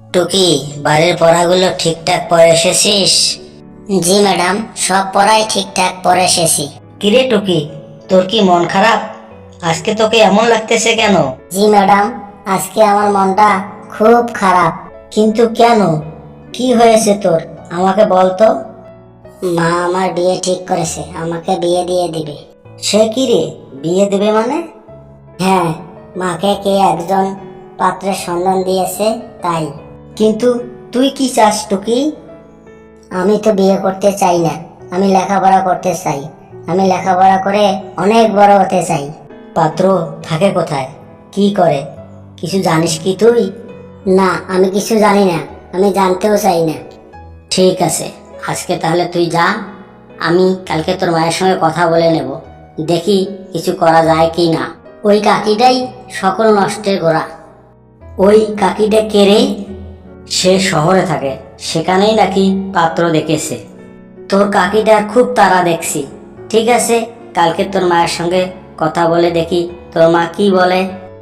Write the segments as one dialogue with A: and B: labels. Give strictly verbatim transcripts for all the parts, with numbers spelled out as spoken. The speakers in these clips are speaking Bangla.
A: টুকি, বাড়ির পড়াগুলো ঠিকঠাক পড়ে এসেছিস? জি ম্যাডাম, সব পড়াই ঠিকঠাক পড়ে এসেছি। কিরে টুকি, তোর কি মন খারাপ? আজকে তোকে এমন লাগতেছে কেন? জি ম্যাডাম, আজকে আমার মনটা খুব খারাপ। কিন্তু কেন? কি হয়েছে তোর? আমাকে বল তো। মা আমার বিয়ে ঠিক করেছে, আমাকে বিয়ে দিয়ে দিবে। সে কি রে, বিয়ে দেবে মানে? হ্যাঁ, মাকে কে একজন পাত্রের সন্ধান দিয়েছে তাই। কিন্তু তুই কি চাস টুকি? আমি তো বিয়ে করতে চাই না, আমি লেখাপড়া করতে চাই। আমি লেখাপড়া করে অনেক বড় হতে চাই। পাত্র থাকে কোথায়, কি করে, কিছু জানিস কি তুই? না, আমি কিছু জানি না, আমি জানতেও চাই না। ঠিক আছে, আজকে তাহলে তুই যা, আমি কালকে তোর মায়ের সঙ্গে কথা বলে নেব, দেখি কিছু করা যায় কি না। ওই কাকিটাই সকল নষ্টের গোড়া। ওই কাকিটা কে রে? সে শহরে থাকে, সেখানেই নাকি পাত্র দেখেছে। তোর কাকিটার খুব তাড়া দেখছি। ঠিক আছে, কালকে তোর মায়ের সঙ্গে কথা বলে দেখি তোর মা কি বলে।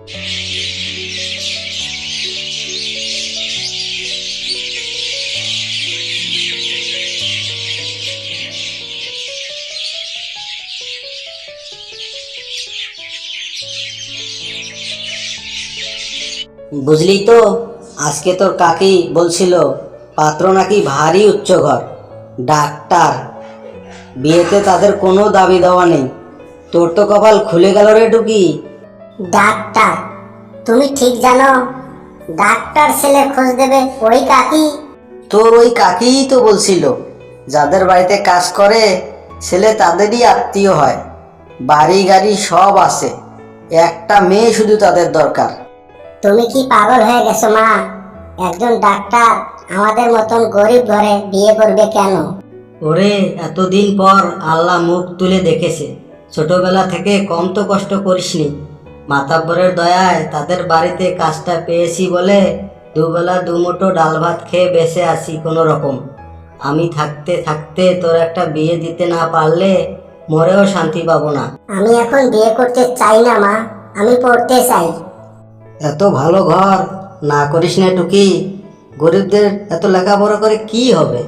A: বুঝলি তো, আজকে তোর কাকি বলছিল পাত্র নাকি ভারী উচ্চ ঘর, ডাক্তার। বিয়েতে তাদের কোনো দাবি দেওয়া নেই। তোর তো কপাল খুলে গেল রে টুকি। ডাক্তার? তুমি ঠিক জানো ডাক্তার ছেলে খোঁজ দেবে ওই কাকি? তোর ওই কাকিই তো বলছিল যাদের বাড়িতে কাজ করে ছেলে তাদেরই আত্মীয় হয়, বাড়ি গাড়ি সব আছে, একটা মেয়ে শুধু তাদের দরকার। তুমি কি পাগল হয়ে গেছো মা? একজন ডাক্তার আমাদের মতন গরিব ঘরে বিয়ে করবে কেন? ওরে, এতদিন পর আল্লাহ মুখ তুলে দেখেছে। ছোটবেলা থেকে কম তো কষ্ট করিসনি, মাতাব্বরের দয়ায় তাদের বাড়িতে কাজটা পেয়েছি বলে দুবেলা দুমুঠো ডাল ভাত খেয়ে বেঁচে আছি কোনো রকম। আমি থাকতে থাকতে তোর একটা বিয়ে দিতে না পারলে মরেও শান্তি পাবো না। আমি এখন বিয়ে করতে চাই না মা, আমি পড়তে চাই। এত ভালো ঘর না করিস না টুকি, গরিবদের এত লেখাপড়া করে কি হবে?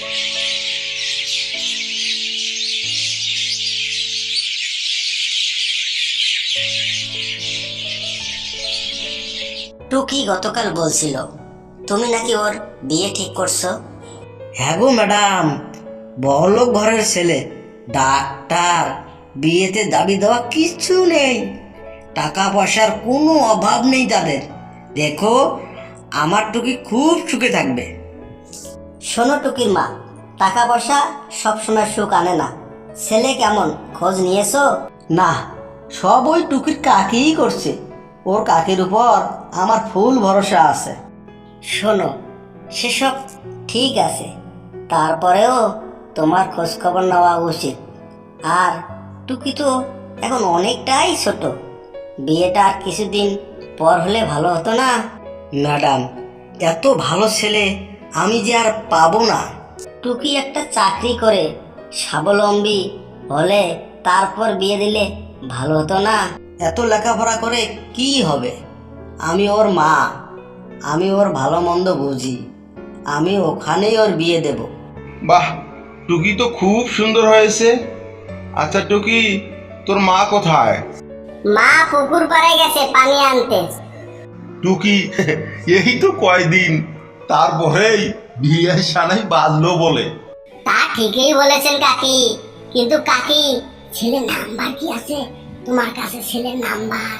A: টুকি গতকাল বলছিল তুমি নাকি ওর বিয়ে ঠিক করছো। হ্যাঁ গো ম্যাডাম, বড়লোক ঘরের ছেলে, ডাক্তার, বিয়েতে দাবি দেওয়া কিছু নেই, টাকা পয়সার কোনো অভাব নেই তাদের। দেখো, আমার টুকি খুব সুখে থাকবে। শোনো টুকির মা, টাকা পয়সা সবসময় সুখ আনে না। ছেলে কেমন, খোঁজ নিয়েছো? না, সব ওই টুকির কাকিই করছে। ওর কাকির উপর আমার ফুল ভরসা আছে। শোনো, সেসব ঠিক আছে, তারপরেও তোমার খোঁজ খবর নেওয়া উচিত। আর টুকি তো এখন অনেকটাই ছোট, বিয়েটা আর কিছুদিন পর হলে ভালো হতো না? ম্যাডাম, এত ভালো ছেলে আমি যে আর পাবো না। টুকি একটা চাকরি করে স্বাবলম্বী হলে তারপর বিয়ে দিলে ভালো হতো না? এত লেখাপড়া করে কি হবে? আমি ওর মা, আমি ওর ভালো মন্দ বুঝি, আমি ওখানেই ওর বিয়ে দেব।
B: বাহ, টুকি তো খুব সুন্দর হয়েছে। আচ্ছা টুকি, তোর মা কোথায়?
A: মা পুকুর পাড়ে গেছে পানি আনতে।
B: টুকি, এই তো কয়দিন, তারপরেই বিয়ের সানাই বাজলো বলে।
A: তা ঠিকই বলেছেন কাকি, কিন্তু কাকি, ছেলের নাম্বার কি আছে তোমার কাছে? ছেলের নাম্বার?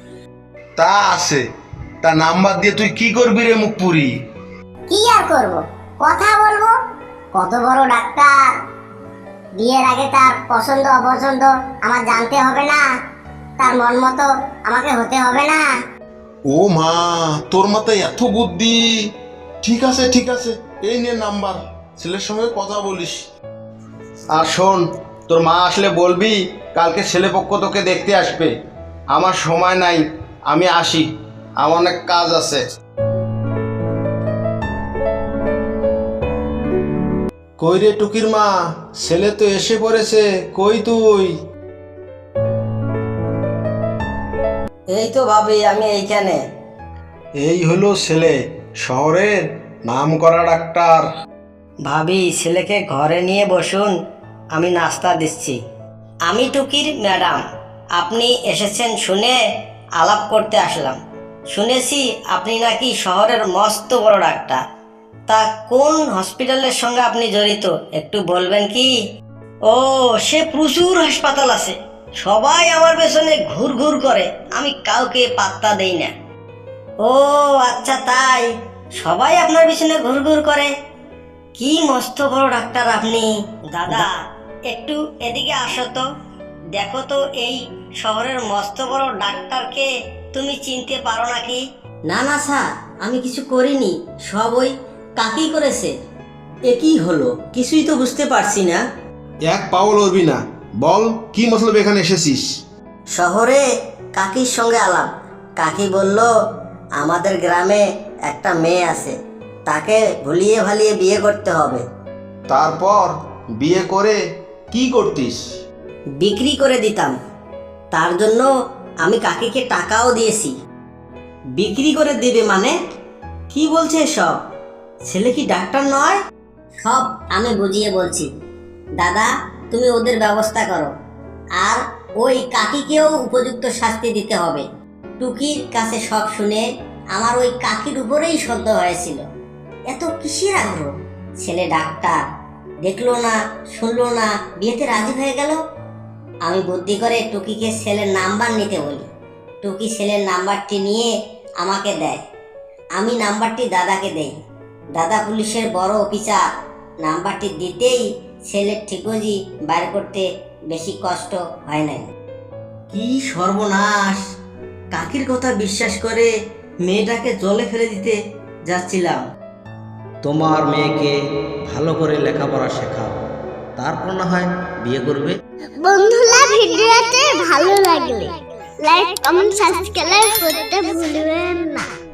B: তা আছে, তা নাম্বার দিয়ে তুই কি করবি রে মুখপুরি?
A: কি আর করব, কথা বলবো। কত বড় ডাক্তার, বিয়ের আগে তার পছন্দ অপছন্দ আমার জানতে হবে না? তার মন মতো আমাকে হতে হবে না?
B: ও মা, তোর মাথায় এত বুদ্ধি। ঠিক আছে ঠিক আছে, এই নে নাম্বার, ছেলের সঙ্গে কথা বলিস। আর শোন, তোর মা আসলে বলবি কালকে ছেলেপক্ষ তোকে দেখতে আসবে। আমার সময় নাই, আমি আসি, আমার অনেক কাজ আছে। কই রে টুকির মা, ছেলে তো এসে পড়েছে, কই তুই?
A: এই তো ভাবি, আমি এইখানে।
B: এই হলো ছেলে, শহরের নামকরা ডাক্তার।
A: ভাবি, ছেলেকে ঘরে নিয়ে বসুন, আমি নাস্তা দিচ্ছি। আমি টুকির ম্যাডাম, আপনি এসেছেন শুনে আলাপ করতে আসলাম। শুনেছি আপনি নাকি শহরের মস্ত বড় ডাক্তার। তা কোন হসপিটালের সঙ্গে আপনি জড়িত একটু বলবেন কি? ও, সে প্রচুর হাসপাতাল আছে, সবাই আমার পেছনে ঘুর ঘুর করে, আমি কাউকে পাত্তা দেই না। ও আচ্ছা, তাই সবাই আপনার পিছনে ঘুর ঘুর করে? কি মস্ত বড় ডাক্তার আপনি। দাদা, একটু এদিকে আসো তো, দেখো তো এই শহরের মস্ত বড় ডাক্তারকে তুমি চিনতে পারো নাকি? না না স্যার, আমি কিছু করিনি, সব ওই কাকি করেছে। এ কি হলো, কিছুই তো বুঝতে পারছি না।
B: এক পাও লড়বি না, বল কি মতলব এখানে এসেছিস?
A: শহরে কাকির সঙ্গে আলাপ। কাকি বলল আমাদের গ্রামে একটা মেয়ে আছে, তাকে ভুলিয়ে ভালিয়ে বিয়ে করতে হবে।
B: তারপর বিয়ে করে কি করতিস?
A: বিক্রি করে দিতাম। তার জন্য আমি কাকিকে টাকাও দিয়েছি। বিক্রি করে দেবে মানে? কি বলছে সব? ছেলে কি ডাক্তার নয়? সব আমি বুঝিয়ে বলছি। দাদা, তুমি ওদের ব্যবস্থা করো, আর ওই কাকিকেও উপযুক্ত শাস্তি দিতে হবে। টুকির কাছে সব শুনে আমার ওই কাকির উপরেই সদ্য হয়েছিল। এত কিসের আগ্রহ? ছেলে ডাক্তার, দেখলো না শুনলো না, বিয়েতে রাজি হয়ে গেল। আমি বুদ্ধি করে টুকিকে ছেলের নাম্বার নিতে বলি। টুকি ছেলের নাম্বারটি নিয়ে আমাকে দেয়, আমি নাম্বারটি দাদাকে দেই। দাদা পুলিশের বড় অফিসার, নাম্বারটি দিতেই ছেলের ঠিকজি বাইর করতে বেশি কষ্ট হয় নাই। কি সর্বনাশ! কাকির কথা বিশ্বাস করে মেয়েটাকে জলে ফেলে দিতে যাচ্ছিলাম।
C: তোমার মেয়েকে ভালো করে লেখাপড়া শেখাও, তারপর না হয় বিয়ে করবে।
D: বন্ধুরা, ভিডিওতে ভালো লাগলে লাইক কমেন্ট সাবস্ক্রাইব করতে ভুলবেন না।